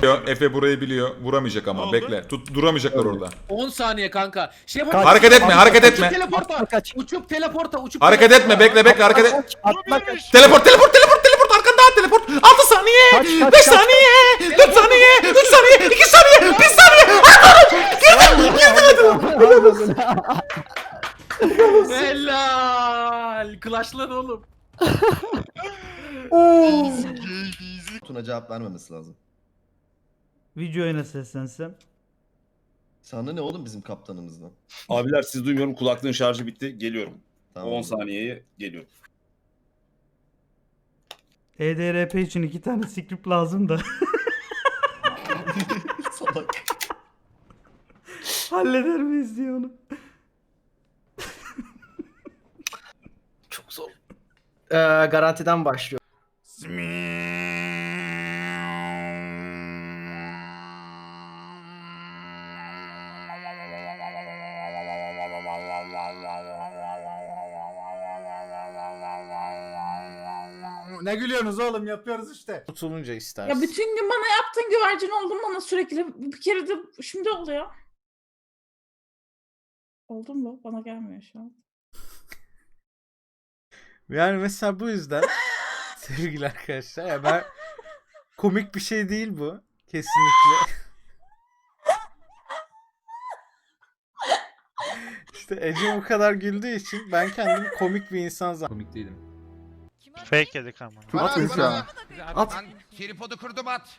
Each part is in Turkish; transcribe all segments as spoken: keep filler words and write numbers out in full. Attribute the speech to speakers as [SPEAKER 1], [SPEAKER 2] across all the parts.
[SPEAKER 1] Efe burayı biliyor. Vuramayacak ama bekle. Tut duramayacaklar orada.
[SPEAKER 2] on saniye kanka. Şey
[SPEAKER 1] Kaç. Hareket etme, hareket etme.
[SPEAKER 2] Uçup teleporta.
[SPEAKER 3] Kaç.
[SPEAKER 2] Uçup teleporta, uçup
[SPEAKER 1] Hareket
[SPEAKER 2] teleporta.
[SPEAKER 1] etme, bekle bekle hareket et.
[SPEAKER 3] Atma kaç.
[SPEAKER 1] Teleport teleport teleport teleport arkanda teleport. altı saniye.
[SPEAKER 3] Kaç, kaç,
[SPEAKER 1] beş
[SPEAKER 3] kaç.
[SPEAKER 1] saniye. dört saniye. üç saniye. iki saniye. bir saniye.
[SPEAKER 2] Helal. Clash'lan oğlum.
[SPEAKER 4] Tuna cevap vermemesi lazım.
[SPEAKER 5] Videoya nasıl seslensem?
[SPEAKER 4] Sana ne oğlum bizim kaptanımızdan?
[SPEAKER 6] Abiler siz duymuyorum, kulaklığın şarjı bitti. Geliyorum.
[SPEAKER 4] Tamam.
[SPEAKER 6] on saniyeye geliyorum.
[SPEAKER 5] E D R P için iki tane script lazım da.
[SPEAKER 4] Salak.
[SPEAKER 5] Halleder miyiz diye onu.
[SPEAKER 2] Çok zor. Ee, garantiden başlıyor.
[SPEAKER 7] Ne gülüyorsunuz oğlum, yapıyoruz işte.
[SPEAKER 8] Tutulunca
[SPEAKER 9] Ya
[SPEAKER 8] istersin.
[SPEAKER 9] bütün gün bana yaptığın güvercin oldun bana sürekli. Bir kere de şimdi oluyor. Oldu mu? Bana gelmiyor şu an.
[SPEAKER 8] Yani mesela bu yüzden sevgili arkadaşlar ya ben komik bir şey değil bu. Kesinlikle. İşte Ece bu kadar güldüğü için ben kendimi komik bir insan zannediyorum.
[SPEAKER 2] Komik değilim.
[SPEAKER 10] Fake yedik ama.
[SPEAKER 7] At mesela. At.
[SPEAKER 10] Tripodu kurdum at.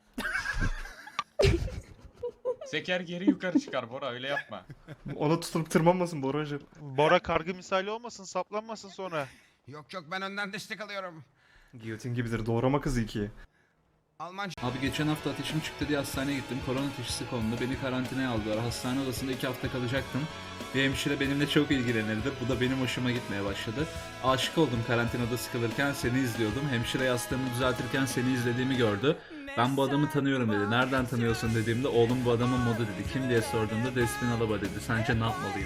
[SPEAKER 1] Zeker geri yukarı çıkar Bora, öyle yapma.
[SPEAKER 7] Onu tutup tırmanmasın Boracı.
[SPEAKER 10] Bora kargı misali olmasın, saplanmasın sonra.
[SPEAKER 11] Yok yok, ben önden destek alıyorum.
[SPEAKER 7] Giyotin gibidir, doğrama kızı ikiye.
[SPEAKER 11] Almanca.
[SPEAKER 2] Abi geçen hafta ateşim çıktı diye hastaneye gittim. Korona teşhisi kondu. Beni karantinaya aldılar. Hastane odasında iki hafta kalacaktım. Bir hemşire benimle çok ilgilenirdi. Bu da benim hoşuma gitmeye başladı. Aşık oldum karantinada sıkılırken, seni izliyordum. Hemşire yastığımı düzeltirken seni izlediğimi gördü. Ben bu adamı tanıyorum dedi. Nereden tanıyorsun dediğimde oğlum bu adamın modu dedi. Kim diye sorduğumda Despin Alaba dedi. Sence ne yapmalıyım?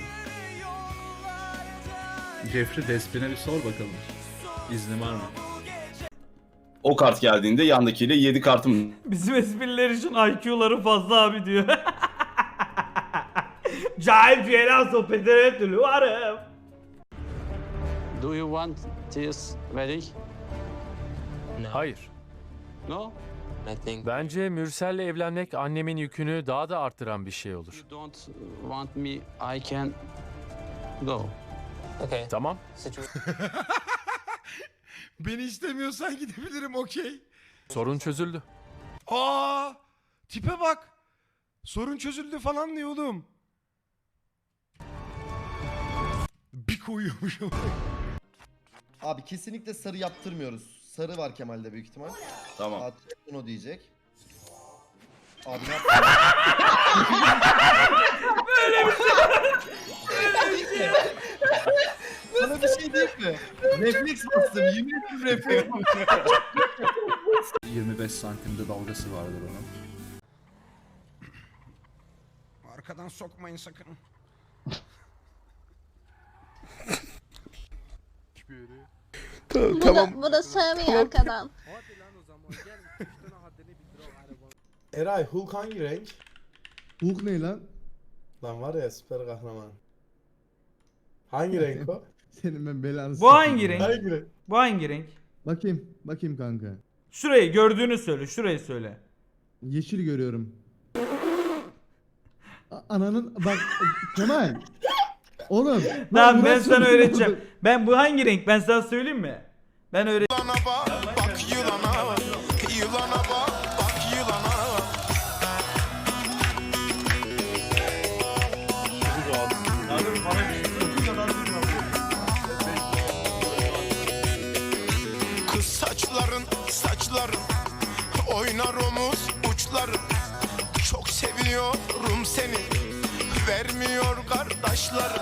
[SPEAKER 2] Jeffrey Despin'e bir sor bakalım. İzni var mı?
[SPEAKER 6] O kart geldiğinde yandakiyle yedi kartım.
[SPEAKER 5] Bizim espriler için I Q'ları fazla abi diyor. Cahil ceylan sohbetleri hep türlü varım.
[SPEAKER 10] Do you want this wedding?
[SPEAKER 12] Hayır.
[SPEAKER 10] No?
[SPEAKER 12] Bence Mürsel'le evlenmek annemin yükünü daha da arttıran bir şey olur.
[SPEAKER 10] You don't want me, I can go.
[SPEAKER 12] Tamam.
[SPEAKER 11] Beni istemiyorsan gidebilirim, okey.
[SPEAKER 12] Sorun çözüldü.
[SPEAKER 11] Aa, tipe bak. Sorun çözüldü falan diyor oğlum. Bir koyuyormuş ama.
[SPEAKER 4] Abi kesinlikle sarı yaptırmıyoruz. Sarı var Kemal'de büyük ihtimal.
[SPEAKER 6] Tamam.
[SPEAKER 4] At bunu diyecek. Abi ne yaptın?
[SPEAKER 5] Böyle bir şey.
[SPEAKER 4] Sana bir şey diyeyim mi? Refleks bastım. Yemin ederim refleks bastım.
[SPEAKER 2] yirmi beş santimde dalgası vardır onun.
[SPEAKER 11] Arkadan sokmayın sakın.
[SPEAKER 9] Tamam. Bu da sığmıyor arkadan.
[SPEAKER 7] Eray, Hulk hangi renk?
[SPEAKER 4] Hulk ne lan?
[SPEAKER 7] Lan var ya, süper kahraman. Hangi renk o?
[SPEAKER 4] Senin ben belanı
[SPEAKER 5] Bu hangi renk?
[SPEAKER 7] Hangi renk?
[SPEAKER 5] Bu hangi renk?
[SPEAKER 4] Bakayım. Bakayım kanka.
[SPEAKER 5] Şurayı gördüğünü söyle. Şurayı söyle.
[SPEAKER 4] Yeşil görüyorum. Ananın bak Kemal. Oğlum.
[SPEAKER 5] Tamam ben sana öğreteceğim. Ben bu hangi renk? Ben sana söyleyeyim mi? Ben öğret.
[SPEAKER 11] Bak yılana, yılana bak, bak yılana. Kız saçların, saçların oynar omuz uçların. Çok seviyorum seni, vermiyor kardeşlerim.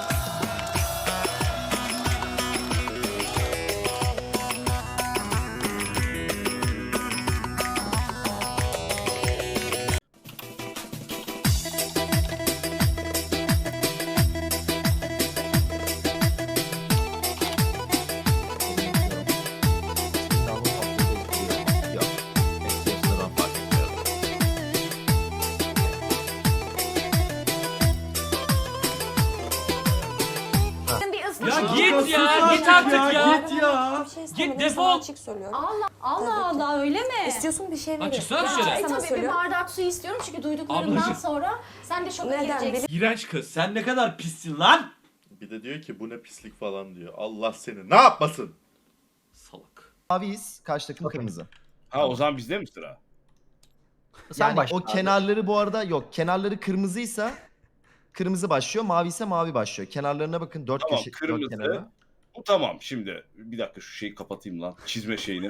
[SPEAKER 5] Ya git ya, git artık ya.
[SPEAKER 7] Git ya.
[SPEAKER 5] Git defol.
[SPEAKER 9] Allah Allah Allah öyle mi?
[SPEAKER 3] İstiyorsun bir şey
[SPEAKER 5] Lan çıksana dışarı.
[SPEAKER 3] E tabii bir bardak su istiyorum çünkü duyduklarımdan
[SPEAKER 5] Ablacığım.
[SPEAKER 3] sonra sen de şoka gireceksin.
[SPEAKER 5] İğrenç kız. Sen ne kadar pissin lan.
[SPEAKER 11] Bir de diyor ki bu ne pislik falan diyor. Allah seni ne yapmasın?
[SPEAKER 5] Salak.
[SPEAKER 4] Maviyiz. Karşı takım kırmızı.
[SPEAKER 6] Ha o zaman bizde mi sıra?
[SPEAKER 4] Yani o kenarları bu arada yok. Kenarları kırmızıysa kırmızı başlıyor. Mavi ise mavi başlıyor. Kenarlarına bakın. Dört
[SPEAKER 6] Tamam
[SPEAKER 4] köşe. Dört
[SPEAKER 6] kırmızı.
[SPEAKER 4] kenarı.
[SPEAKER 6] Bu tamam şimdi. Bir dakika şu şeyi kapatayım lan. Çizme şeyini.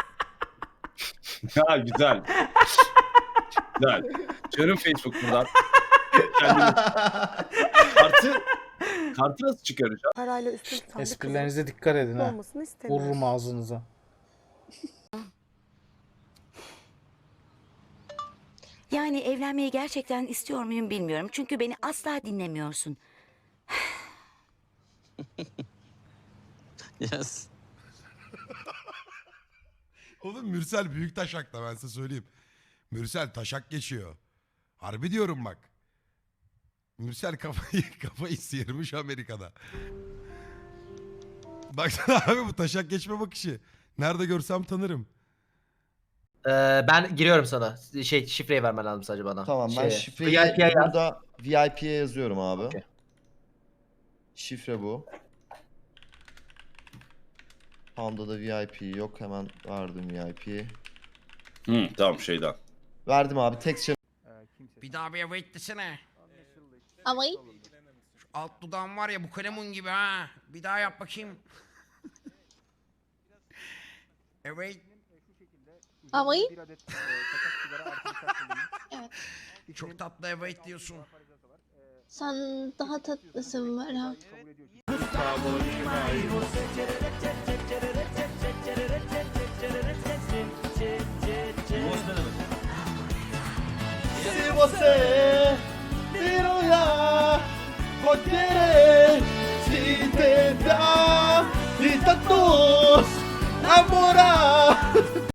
[SPEAKER 6] Ha güzel. Güzel. Canım Facebook buradan. Kendimi... Kartı, kartı nasıl çıkaracağım?
[SPEAKER 3] Parayla üstün tutan
[SPEAKER 8] Esprilerinize dikkat edin ha. Vururum ağzınıza.
[SPEAKER 3] Yani evlenmeyi gerçekten istiyor muyum bilmiyorum. Çünkü beni asla dinlemiyorsun.
[SPEAKER 10] Yes.
[SPEAKER 11] Oğlum Mürsel büyük taşakta ben size söyleyeyim. Mürsel taşak geçiyor. Harbi diyorum bak. Mürsel kafayı, kafayı sıyırmış Amerika'da. Baksana abi bu taşak geçme bakışı. Nerede görsem tanırım.
[SPEAKER 4] ben giriyorum sana. Şey şifreyi vermen lazım sadece bana.
[SPEAKER 7] Tamam ben
[SPEAKER 4] Şeye,
[SPEAKER 7] şifreyi
[SPEAKER 4] V I P'ye yaz.
[SPEAKER 7] burada V I P'ye yazıyorum abi.
[SPEAKER 4] Okey.
[SPEAKER 7] Şifre bu. Panda da V I P yok. Hemen verdim V I P'yi.
[SPEAKER 6] Hı, tamam şeyden.
[SPEAKER 7] Verdim abi. Tek şey.
[SPEAKER 11] Bir daha bir wait desene.
[SPEAKER 3] Ama
[SPEAKER 11] Şu alt dudağım var ya bu kalemun gibi ha. Bir daha yap bakayım. Evet.
[SPEAKER 3] ama
[SPEAKER 11] Çok tatlı evet diyorsun.
[SPEAKER 3] sen daha tatlısın Merhaba.
[SPEAKER 7] Se você